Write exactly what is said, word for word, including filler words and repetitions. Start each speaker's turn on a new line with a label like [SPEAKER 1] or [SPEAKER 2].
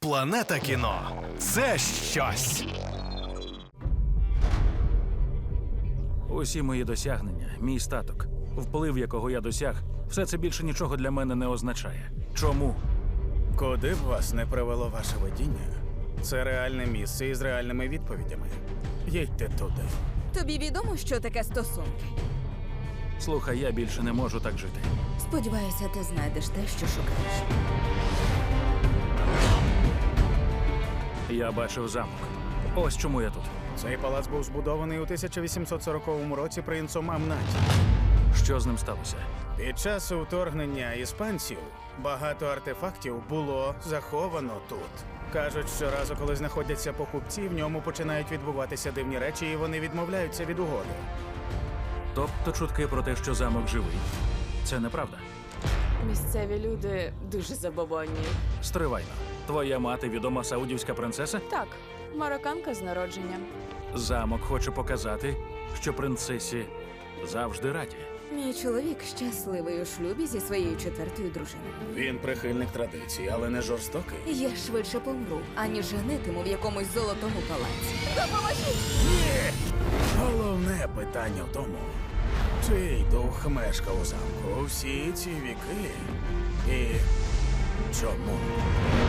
[SPEAKER 1] Планета кіно – це щось.
[SPEAKER 2] Усі мої досягнення, мій статок, вплив, якого я досяг, все це більше нічого для мене не означає. Чому?
[SPEAKER 3] Куди б вас не привело ваше видіння, це реальне місце із реальними відповідями. Їдьте туди.
[SPEAKER 4] Тобі відомо, що таке стосунки?
[SPEAKER 2] Слухай, я більше не можу так жити.
[SPEAKER 4] Сподіваюся, ти знайдеш те, що шукаєш.
[SPEAKER 2] Я бачив замок. Ось чому я тут.
[SPEAKER 3] Цей палац був збудований у тисяча вісімсот сороковому році принцом Амнаті.
[SPEAKER 2] Що з ним сталося?
[SPEAKER 3] Під час вторгнення іспанців багато артефактів було заховано тут. Кажуть, що разу, коли знаходяться покупці, в ньому починають відбуватися дивні речі, і вони відмовляються від угоди.
[SPEAKER 2] Тобто чутки про те, що замок живий. Це неправда.
[SPEAKER 5] Місцеві люди дуже забобонні.
[SPEAKER 2] Стривайно. Твоя мати відома саудівська принцеса?
[SPEAKER 5] Так, марокканка з народження.
[SPEAKER 2] Замок хоче показати, що принцесі завжди раді.
[SPEAKER 4] Мій чоловік щасливий у шлюбі зі своєю четвертою дружиною.
[SPEAKER 3] Він прихильник традицій, але не жорстокий.
[SPEAKER 4] Я швидше помру, аніж женитиму в якомусь золотому палаці. Допоможіть!
[SPEAKER 3] Головне питання в тому, чий дух мешкав у замку всі ці віки і чому?